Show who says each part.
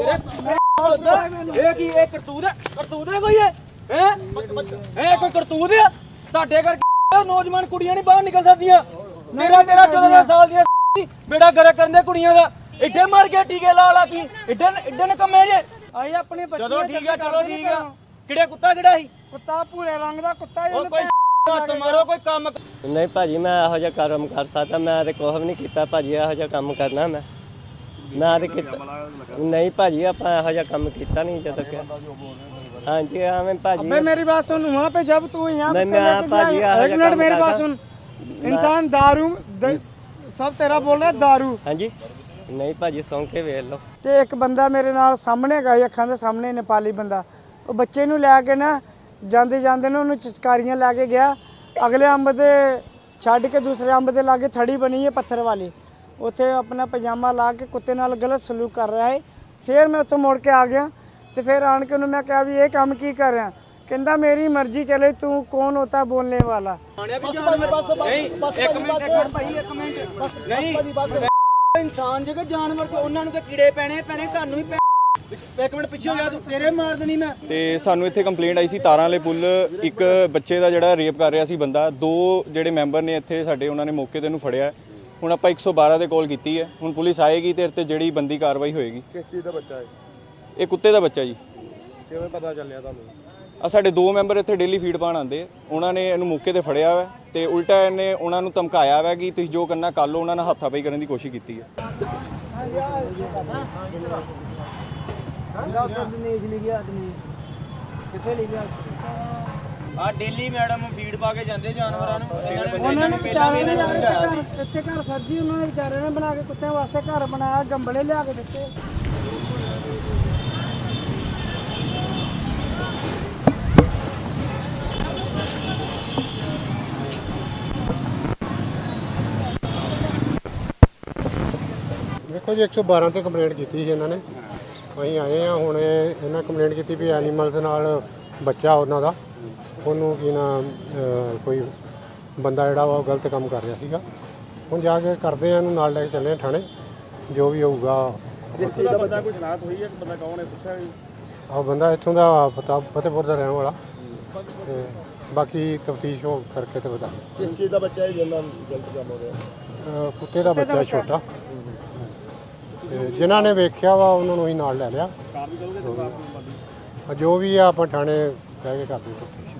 Speaker 1: ਇਹ ਕੀ ਇਹ ਕਰਤੂਤ ਹੈ ਕੋਈ ਹੈ ਇਹ ਕੋਈ ਕਰਤੂਤ ਹੈ ਤੁਹਾਡੇ ਕਰਕੇ ਨੌਜਵਾਨ ਕੁੜੀਆਂ ਨਹੀਂ ਬਾਹਰ ਨਿਕਲ ਸਕਦੀਆਂ। ਤੇਰਾ 14 ਸਾਲ ਦੀਆਂ ਬੇੜਾ ਗਰਕ ਕਰਨ ਦੇ ਕੁੜੀਆਂ ਦਾ ਇੱਡੇ ਮਰ ਕੇ ਟੀਕੇ ਲਾ ਕੀ ਇੱਡੇ ਨਕਮੇ ਜੇ ਆਏ ਆਪਣੇ ਬੱਚੇ। ਚਲੋ ਠੀਕ ਆ ਕਿਹੜਾ ਕੁੱਤਾ ਕਿਹੜਾ ਸੀ? ਕੁੱਤਾ ਭੂਰੇ ਰੰਗ ਦਾ ਕੁੱਤਾ। ਕੋਈ ਹੱਥ ਮਾਰੋ ਕੋਈ ਕੰਮ
Speaker 2: ਨਹੀਂ ਭਾਜੀ ਮੈਂ ਇਹੋ ਜਿਹਾ ਕੰਮ ਕਰ ਸਕਦਾ। ਮੈਂ ਤੇ ਕੁਛ ਵੀ ਨਹੀਂ ਕੀਤਾ ਭਾਜੀ। ਇਹੋ ਜਿਹਾ ਕੰਮ ਕਰਨਾ ਮੈਂ ਤੇ ਕੀਤਾ ਨਹੀਂ ਭਾਜੀ। ਆਪਾਂ ਇਹੋ ਜਿਹਾ ਕੰਮ ਕੀਤਾ नहीं ਜਦੋਂ ਕਿ हाँ जी हाँ मैं भाजी।
Speaker 1: अबे मेरी बात सुन वहाँ पे जब तू यहाँ
Speaker 2: मैं भाजी
Speaker 1: एक मिनट मेरी बात सुन। इंसान दारू सब तेरा बोल रहा है दारू।
Speaker 2: हाँ जी नहीं भाजी सौं के वेख लो।
Speaker 1: ਤੇ ਇੱਕ ਬੰਦਾ ਮੇਰੇ ਨਾਲ ਸਾਹਮਣੇ ਗਏ ਅੱਖਾਂ ਦੇ ਸਾਹਮਣੇ ਨੇਪਾਲੀ ਬੰਦਾ ਉਹ ਬੱਚੇ ਨੂੰ ਲੈ ਕੇ ਨਾ ਜਾਂਦੇ ਨੇ ਉਹਨੂੰ ਚਸਕਾਰੀਆਂ ਲੈ ਕੇ ਗਿਆ। ਅਗਲੇ ਅੰਬ ਦੇ ਛੱਡ ਕੇ ਦੂਸਰੇ ਅੰਬ ਦੇ ਲਾਗੇ ਥੜੀ ਬਣੀ ਹੈ ਪੱਥਰ ਵਾਲੀ ਉੱਥੇ ਆਪਣਾ ਪਜਾਮਾ ਲਾ ਕੇ ਕੁੱਤੇ ਨਾਲ ਗਲਤ ਸਲੂਕ ਕਰ ਰਿਹਾ ਹੈ। ਫਿਰ ਮੈਂ ਉੱਥੋਂ ਮੁੜ ਕੇ ਆ ਗਿਆ ਤੇ ਫਿਰ ਆਣ ਕੇ ਉਹਨੂੰ ਮੈਂ ਕਿਹਾ ਵੀ ਇਹ ਕੰਮ ਕੀ ਕਰ ਰਿਹਾ? ਕਹਿੰਦਾ ਮੇਰੀ ਮਰਜ਼ੀ ਚਲੇ ਤੂੰ ਕੌਣ ਹੋਤਾ ਬੋਲने वाला। ਇਨਸਾਨ ਜਗਾ ਜਾਨਵਰ ਤੇ ਉਹਨਾਂ ਨੂੰ ਤੇ ਕੀੜੇ ਪੈਣੇ ਤੁਹਾਨੂੰ ਵੀ ਇੱਕ ਮਿੰਟ ਪਿੱਛੇ ਹੋ ਜਾ ਤੂੰ ਤੇਰੇ ਮਾਰ ਦੇਣੀ ਮੈਂ।
Speaker 3: ਤੇ ਸਾਨੂੰ ਇੱਥੇ ਕੰਪਲੇਂਟ ਆਈ ਸੀ ਤਾਰਾਂ ਵਾਲੇ ਪੁੱਲ ਇੱਕ ਬੱਚੇ ਦਾ ਜਿਹੜਾ ਰੇਪ ਕਰ ਰਿਹਾ ਸੀ ਬੰਦਾ। ਦੋ ਜਿਹੜੇ ਮੈਂਬਰ ਨੇ ਇੱਥੇ ਸਾਡੇ ਉਹਨਾਂ ਨੇ ਮੌਕੇ ਤੇ ਇਹਨੂੰ ਫੜਿਆ। ਹੁਣ ਆਪਾਂ 112 ਤੇ ਕਾਲ ਕੀਤੀ ਹੈ। ਹੁਣ ਪੁਲਿਸ ਆਏਗੀ ਤੇ ਇੱਥੇ ਜਿਹੜੀ ਬੰਦੀ ਕਾਰਵਾਈ ਹੋਏਗੀ।
Speaker 4: ਕਿਸ ਚੀਜ਼ ਦਾ ਬੱਚਾ ਹੈ?
Speaker 3: ਇਹ ਕੁੱਤੇ ਦਾ ਬੱਚਾ ਜੀ।
Speaker 4: ਕਿਵੇਂ ਪਤਾ ਚੱਲਿਆ ਤੁਹਾਨੂੰ?
Speaker 3: ਆ ਸਾਡੇ ਦੋ ਮੈਂਬਰ ਇੱਥੇ ਡੇਲੀ ਫੀਡ ਪਾਣ ਆਉਂਦੇ। ਉਹਨਾਂ ਨੇ ਇਹਨੂੰ ਮੌਕੇ ਤੇ ਫੜਿਆ ਹੋਇਆ ਤੇ ਉਲਟਾ ਇਹਨੇ ਉਹਨਾਂ ਨੂੰ ਧਮਕਾਇਆ ਹੋਇਆ ਕਿ ਤੁਸੀਂ ਜੋ ਕਰਨਾ ਕਰ ਲਓ। ਉਹਨਾਂ ਨੇ ਹੱਥਾਪਾਈ ਕਰਨ ਦੀ ਕੋਸ਼ਿਸ਼ ਕੀਤੀ ਹੈ।
Speaker 1: ਆ ਡੇਲੀ ਮੈਡਮ ਫੀਡ ਪਾ ਕੇ ਜਾਂਦੇ ਜਾਨਵਰਾਂ ਨੂੰ। ਉਹਨਾਂ ਨੇ ਵਿਚਾਰੇ ਨੇ ਇੱਥੇ ਘਰ ਸਰਜੀ ਉਹਨਾਂ ਨੇ ਵਿਚਾਰੇ ਨੇ ਬਣਾ ਕੇ ਕੁੱਤਿਆਂ ਵਾਸਤੇ ਘਰ ਬਣਾਇਆ ਗੰਬਲੇ ਲਿਆ ਕੇ ਦਿੱਤੇ।
Speaker 4: ਦੇਖੋ ਜੀ 112 ਤੇ ਕੰਪਲੇਂਟ ਕੀਤੀ ਸੀ ਇਹਨਾਂ ਨੇ। ਅਸੀਂ ਆਏ ਆ ਹੁਣ ਇਹਨਾਂ ਕੰਪਲੇਂਟ ਕੀਤੀ ਵੀ ਐਨੀਮਲਸ ਨਾਲ ਬੱਚਾ ਉਹਨਾਂ ਦਾ ਉਹਨੂੰ ਕੀ ਨਾ ਕੋਈ ਬੰਦਾ ਜਿਹੜਾ ਵਾ ਉਹ ਗਲਤ ਕੰਮ ਕਰ ਰਿਹਾ ਸੀਗਾ। ਹੁਣ ਜਾ ਕੇ ਕਰਦੇ ਆ ਇਹਨੂੰ ਨਾਲ ਲੈ ਕੇ ਚੱਲੇ ਥਾਣੇ ਜੋ ਵੀ ਹੋਊਗਾ।
Speaker 5: ਇਸ ਚੀਜ਼ ਦਾ ਬੰਦਾ ਕੋਈ ਸ਼ਨਾਖਤ ਹੋਈ ਹੈ? ਬੰਦਾ ਕੌਣ ਹੈ ਪੁੱਛਿਆ ਜੀ?
Speaker 4: ਆਹ ਬੰਦਾ ਇੱਥੋਂ ਦਾ ਫਤਿਹਪੁਰ ਦਾ ਰਹਿਣ ਵਾਲਾ ਤੇ ਬਾਕੀ ਤਫਤੀਸ਼ ਹੋ ਕਰਕੇ ਤੇ ਬਤਾ।
Speaker 5: ਕਿਸ ਚੀਜ਼ ਦਾ ਬੱਚਾ ਹੈ ਜਿਹਨਾਂ ਗਲਤ ਕੰਮ ਹੋ ਰਿਹਾ?
Speaker 4: ਕੁੱਤੇ ਦਾ ਬੱਚਾ ਛੋਟਾ ਤੇ ਜਿਨ੍ਹਾਂ ਨੇ ਵੇਖਿਆ ਵਾ ਉਹਨਾਂ ਨੂੰ ਹੀ ਨਾਲ ਲੈ ਲਿਆ। ਜੋ ਵੀ ਆ ਆਪਾਂ ਥਾਣੇ ਕਹਿ ਕੇ ਕਰਦੇ।